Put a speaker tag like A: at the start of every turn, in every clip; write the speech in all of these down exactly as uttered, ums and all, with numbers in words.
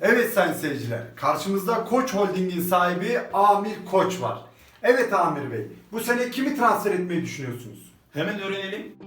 A: Evet sayın seyirciler, karşımızda Koç Holding'in sahibi Amir Koç var. Evet Amir Bey, bu sene kimi transfer etmeyi düşünüyorsunuz?
B: Hemen öğrenelim.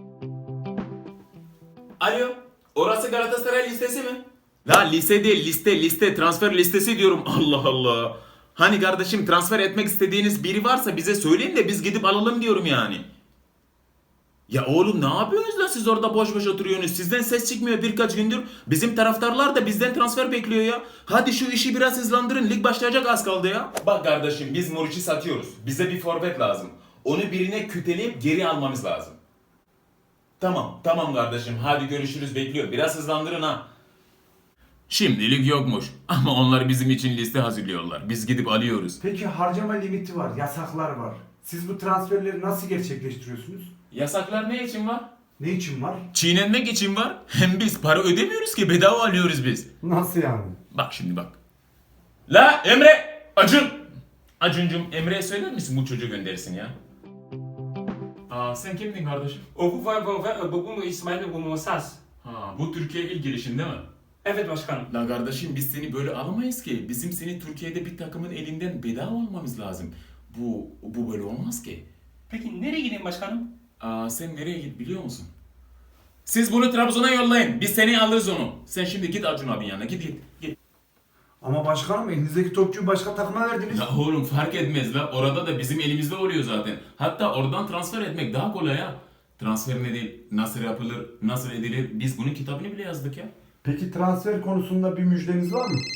B: Alo, orası Galatasaray listesi mi? La lise değil, liste, liste, transfer listesi diyorum. Allah Allah. Hani kardeşim transfer etmek istediğiniz biri varsa bize söyleyin de biz gidip alalım diyorum yani. Ya oğlum ne yapıyorsunuz da siz orada boş boş oturuyorsunuz? Sizden ses çıkmıyor birkaç gündür. Bizim taraftarlar da bizden transfer bekliyor ya. Hadi şu işi biraz hızlandırın. Lig başlayacak az kaldı ya. Bak kardeşim biz Muriç'i satıyoruz. Bize bir forvet lazım. Onu birine küteleyip geri almamız lazım. Tamam, tamam kardeşim. Hadi görüşürüz bekliyor. Biraz hızlandırın ha. Şimdilik yokmuş. Ama onlar bizim için liste hazırlıyorlar. Biz gidip alıyoruz.
A: Peki harcama limiti var, yasaklar var. Siz bu transferleri nasıl gerçekleştiriyorsunuz?
B: Yasaklar ne için var?
A: Ne için var?
B: Çiğnenmek için var. Hem biz para ödemiyoruz ki bedava alıyoruz biz.
A: Nasıl yani?
B: Bak şimdi bak. La Emre! Acun! Acuncum Emre'ye söyler misin bu çocuğu göndersin ya? Aa sen kimdin kardeşim?
C: Ovu var ve bugün İsmail'le bulunmasaz.
B: Ha bu Türkiye ilk gelişin değil mi?
C: Evet başkanım.
B: La kardeşim biz seni böyle alamayız ki. Bizim seni Türkiye'de bir takımın elinden bedava almamız lazım. Bu bu böyle olmaz ki.
C: Peki nereye gideyim başkanım?
B: Aa sen nereye git biliyor musun? Siz bunu Trabzon'a yollayın. Biz seni alırız onu. Sen şimdi git Acun abinin yanına. Git git. git.
A: Ama başkanım elinizdeki topçuyu başka takıma verdiniz.
B: Ya oğlum fark etmez la. Orada da bizim elimizde oluyor zaten. Hatta oradan transfer etmek daha kolay ha. Transfer ne değil, nasıl yapılır, nasıl edilir. Biz bunun kitabını bile yazdık ya.
A: Peki transfer konusunda bir müjdeniz var mı?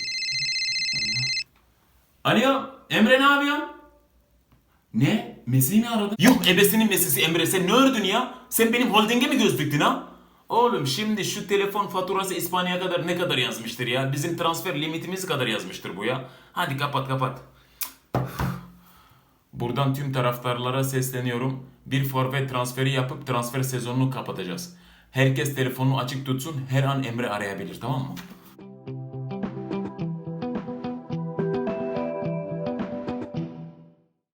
B: Alo, Emre ne yapıyorsun? Ne? Messi'yi mi aradın? Yok ebesinin Messi'si Emre sen ne ördün ya? Sen benim holdinge mi göz diktin ha? Oğlum şimdi şu telefon faturası İspanya'ya kadar ne kadar yazmıştır ya? Bizim transfer limitimiz kadar yazmıştır bu ya. Hadi kapat kapat. Buradan tüm taraftarlara sesleniyorum. Bir forvet transferi yapıp transfer sezonunu kapatacağız. Herkes telefonunu açık tutsun. Her an Emre arayabilir tamam mı?